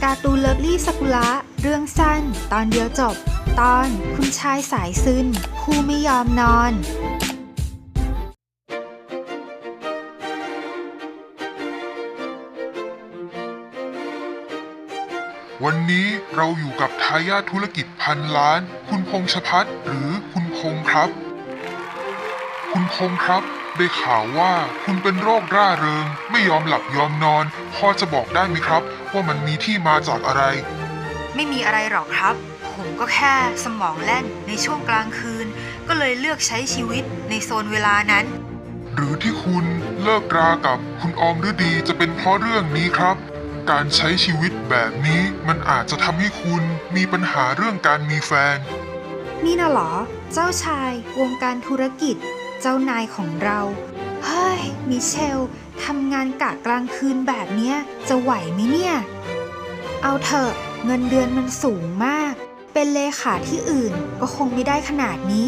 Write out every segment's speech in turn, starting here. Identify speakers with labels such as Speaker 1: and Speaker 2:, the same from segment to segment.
Speaker 1: การ์ตูนเลิฟลี่ซากุระเรื่องสั้นตอนเดียวจบตอนคุณชายสายซึนผู้ไม่ยอมนอน
Speaker 2: วันนี้เราอยู่กับทายาทธุรกิจพันล้านคุณพงษ์ชภัทรหรือคุณพงษ์ครับคุณพงษ์ครับได้ข่าวว่าคุณเป็นโรคร่าเริงไม่ยอมหลับยอมนอนพอจะบอกได้ไหมครับว่ามันมีที่มาจากอะไร
Speaker 1: ไม่มีอะไรหรอกครับผมก็แค่สมองแล่นในช่วงกลางคืนก็เลยเลือกใช้ชีวิตในโซนเวลานั้น
Speaker 2: หรือที่คุณเลิกรากับคุณออมฤดีจะเป็นเพราะเรื่องนี้ครับการใช้ชีวิตแบบนี้มันอาจจะทำให้คุณมีปัญหาเรื่องการมีแฟน
Speaker 1: นี่น่ะเหรอเจ้าชายวงการธุรกิจเจ้านายของเราเฮ้ยมิเชลทำงานกะกลางคืนแบบเนี้ยจะไหวไหมเนี่ยเอาเถอะเงินเดือนมันสูงมากเป็นเลขาที่อื่นก็คงไม่ได้ขนาดนี้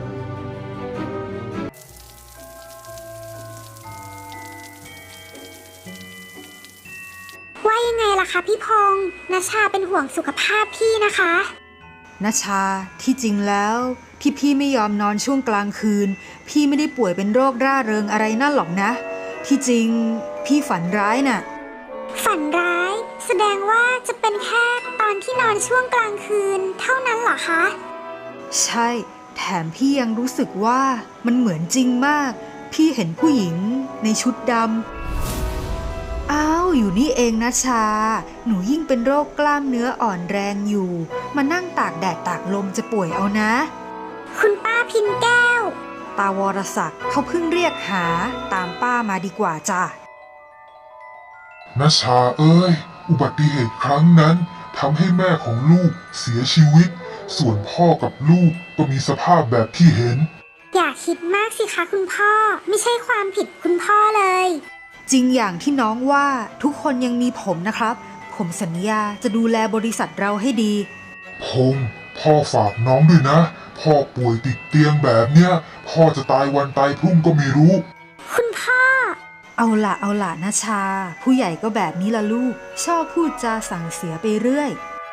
Speaker 3: ว่ายังไงล่ะคะพี่พงษ์ณชาเป็นห่วงสุขภาพพี่นะคะ
Speaker 1: ณชาที่จริงแล้วที่พี่ไม่ยอมนอนช่วงกลางคืนพี่ไม่ได้ป่วยเป็นโรคร่าเริงอะไรนั่นหรอกนะที่จริงพี่ฝันร้ายน่ะ
Speaker 3: ฝันร้ายแสดงว่าจะเป็นแค่ตอนที่นอนช่วงกลางคืนเท่านั้นเหรอคะ
Speaker 1: ใช่แถมพี่ยังรู้สึกว่ามันเหมือนจริงมากพี่เห็นผู้หญิงในชุดดำอ้าวอยู่นี่เองนะชาหนูยิ่งเป็นโรคกล้ามเนื้ออ่อนแรงอยู่มานั่งตากแดดตากลมจะป่วยเอานะ
Speaker 3: คุณป้าพินแก้ว
Speaker 1: ตาวรศักดิ์เขาเพิ่งเรียกหาตามป้ามาดีกว่าจ้ะ
Speaker 2: ณชาเอ้ยอุบัติเหตุครั้งนั้นทำให้แม่ของลูกเสียชีวิตส่วนพ่อกับลูกก็มีสภาพแบบที่เห็น
Speaker 3: อย่าคิดมากสิคะคุณพ่อไม่ใช่ความผิดคุณพ่อเลย
Speaker 1: จริงอย่างที่น้องว่าทุกคนยังมีผมนะครับผมสัญญาจะดูแลบริษัทเราให้ดี
Speaker 2: พงษ์พ่อฝากน้องด้วยนะพ่อป่วยติดเตียงแบบเนี้ยพ่อจะตายวันตายพรุ่งก็ไม่รู้
Speaker 3: คุณพ่อ
Speaker 1: เอาล่ะนะชาผู้ใหญ่ก็แบบนี้ละลูกชอบพูดจาสั่งเสียไปเรื่อย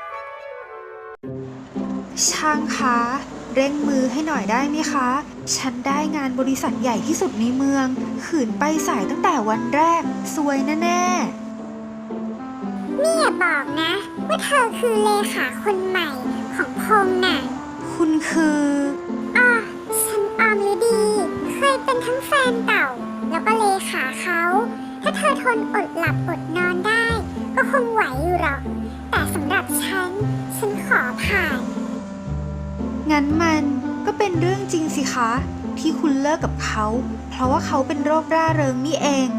Speaker 1: ช่างคะเร่งมือให้หน่อยได้ไหมคะฉันได้งานบริษัทใหญ่ที่สุดในเมืองขืนไปสายตั้งแต่วันแรกซวยแน่
Speaker 3: ๆนี่อย่าบอกนะว่าเธอคือเลขาคนใหม่ของพงษ์น่ะ
Speaker 1: คุณคือ
Speaker 3: ฉันออมฤดีเคยเป็นทั้งแฟนเก่าแล้วก็เลขาเขาถ้าเธอทนอดหลับอดนอนได้ก็คงไหวอยู่หรอกแต่สำหรับฉันขอผ่าน
Speaker 1: งั้นมันก็เป็นเรื่องจริงสิคะที่คุณเลิกกับเขาเพราะว่าเขาเป็นโรคร่าเริงนี่เอง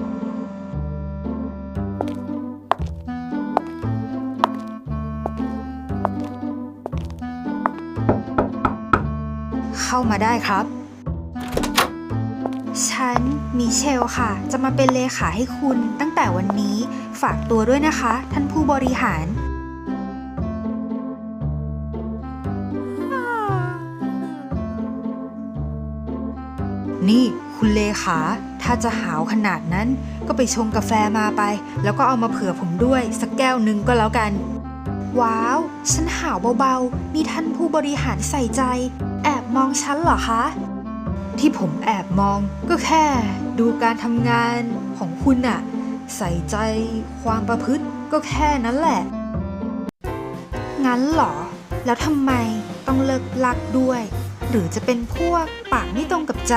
Speaker 1: เข้ามาได้ครับฉันมิเชลค่ะจะมาเป็นเลขาให้คุณตั้งแต่วันนี้ฝากตัวด้วยนะคะท่านผู้บริหารนี่คุณเลขาถ้าจะหาวขนาดนั้นก็ไปชงกาแฟมาไปแล้วก็เอามาเผื่อผมด้วยสักแก้วหนึ่งก็แล้วกันว้าวฉันหาวเบาๆนี่ท่านผู้บริหารใส่ใจแอบมองฉันเหรอคะที่ผมแอบมองก็แค่ดูการทำงานของคุณน่ะใส่ใจความประพฤติก็แค่นั้นแหละงั้นเหรอแล้วทำไมต้องเลิกลักด้วยหรือจะเป็นพวกปากไม่ตรงกับใจ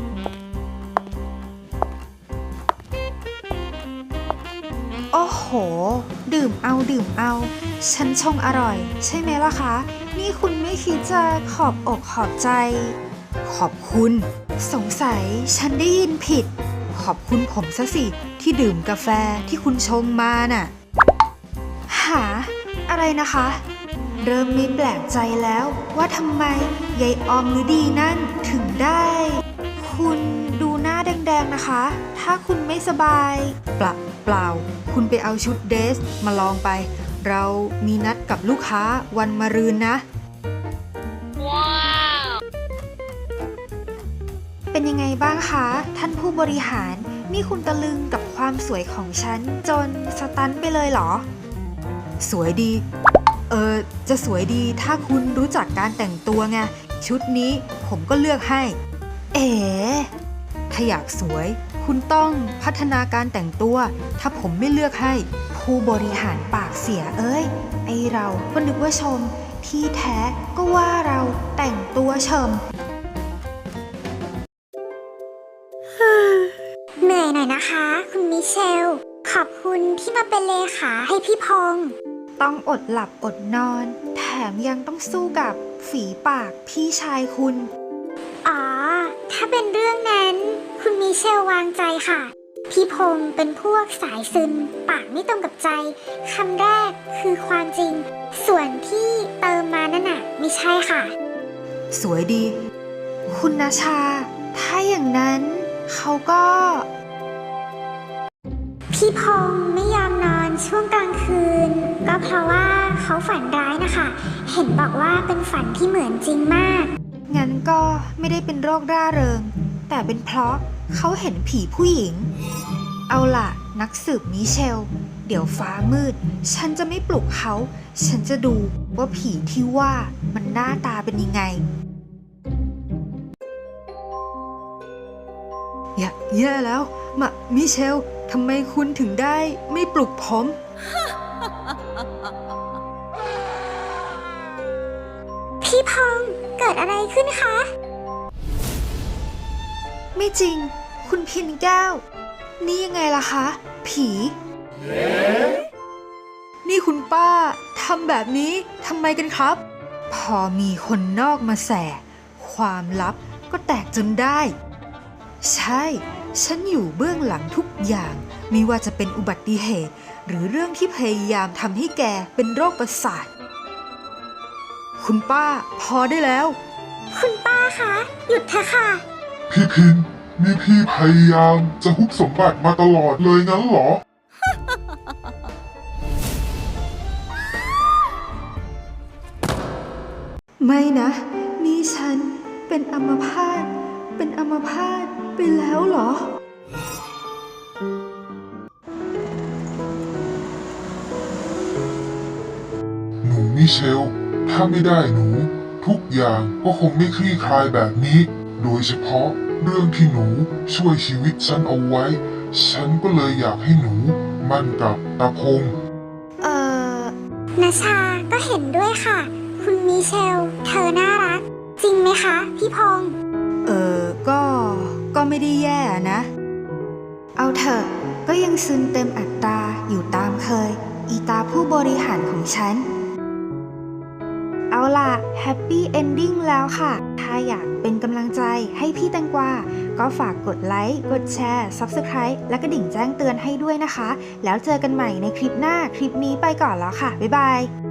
Speaker 1: โอ้โหดื่มเอาฉันชงอร่อยใช่ไหมล่ะคะนี่คุณไม่คิดจะขอบอกขอบใจขอบคุณสงสัยฉันได้ยินผิดขอบคุณผมซะสิที่ดื่มกาแฟที่คุณชงมาน่ะหาอะไรนะคะเริ่มไม่แปลกใจแล้วว่าทำไมยายออมฤดีนั่นถึงได้คุณดูหน้าแดงๆนะคะถ้าคุณไม่สบายเปล่าคุณไปเอาชุดเดรสมาลองไปเรามีนัดกับลูกค้าวันมะรืนนะว้าวเป็นยังไงบ้างคะท่านผู้บริหารนี่คุณตะลึงกับความสวยของฉันจนสตันไปเลยเหรอสวยดี จะสวยดีถ้าคุณรู้จักการแต่งตัวไง ชุดนี้ผมก็เลือกให้ เอ๋ถ้าอยากสวย คุณต้องพัฒนาการแต่งตัว ถ้าผมไม่เลือกให้ ผู้บริหารปากเสียเอ้ย ไอเราก็นึกว่าชม ที่แท้ก็ว่าเราแต่งตัวเฉิม
Speaker 3: เหนื่อยหน่อยนะคะ คุณมิเชล ขอบคุณที่มาเป็นเลขาให้พี่พงษ์
Speaker 1: ต้องอดหลับอดนอน แถมยังต้องสู้กับฝีปากพี่ชายคุณ
Speaker 3: อ๋อ ถ้าเป็นเรื่องนั้น คุณมิเชลวางใจค่ะ พี่พงษ์เป็นพวกสายซึมปากไม่ตรงกับใจคำแรกคือความจริง ส่วนที่เติมมานั่นน่ะไม่ใช่ค่ะ
Speaker 1: สวยดี คุณนาชา ถ้าอย่างนั้นเขาก็
Speaker 3: พี่พงษ์ไม่ยอมนอนช่วงกลางคืน ก็เพราะว่าเขาฝันร้ายนะคะ เห็นบอกว่าเป็นฝันที่เหมือนจริงมาก
Speaker 1: งั้นก็ไม่ได้เป็นโรคร่าเริง แต่เป็นเพราะเขาเห็นผีผู้หญิง เอาล่ะ นักสืบมิเชล เดี๋ยวฟ้ามืด ฉันจะไม่ปลุกเขา ฉันจะดูว่าผีที่ว่ามันหน้าตาเป็นยังไง แย่แล้วมิเชล ทำไมคุณถึงได้ไม่ปลุกผม
Speaker 3: พี่พงษ์เกิดอะไรขึ้นคะ
Speaker 1: ไม่จริง คุณพินแก้ว นี่ยังไงล่ะคะ ผี นี่คุณป้าทำแบบนี้ทำไมกันครับ พอมีคนนอกมาแส่ ความลับก็แตกจนได้ ใช่ ฉันอยู่เบื้องหลังทุกอย่าง ไม่ว่าจะเป็นอุบัติเหตุ หรือเรื่องที่พยายามทำให้แกเป็นโรคประสาท คุณป้าพอได้แล้ว
Speaker 3: คุณป้าคะ หยุดเถอะค่ะ
Speaker 2: พี่พินนี่พี่พยายามจะฮุบสมบัติมาตลอดเลยงั้นเหรอ
Speaker 1: ไม่นะ นี่ฉันเป็นอัมพาตไปแล้วเหรอ
Speaker 2: หนูมิเชล ถ้าไม่ได้หนู ทุกอย่างก็คงไม่คลี่คลายแบบนี้ โดยเฉพาะเรื่องที่หนูช่วยชีวิตฉันเอาไว้ ฉันก็เลยอยากให้หนูมั่นกับตาพงษ์
Speaker 3: นาชาก็เห็นด้วยค่ะ คุณมิเชล เธอน่ารัก จริงไหมคะ พี่พงษ์
Speaker 1: ก็ไม่ได้แย่นะ เอาเถอะ ก็ยังซึมเต็มอัตราอยู่ตามเคย อีตาผู้บริหารของฉัน เอาล่ะ แฮปปี้เอนดิ้งแล้วค่ะ ถ้าอยากเป็นกำลังใจให้พี่แตงกวา ก็ฝากกดไลค์ กดแชร์ Subscribe และกระดิ่งแจ้งเตือนให้ด้วยนะคะ แล้วเจอกันใหม่ในคลิปหน้า คลิปนี้ไปก่อนแล้วค่ะ บ๊ายบาย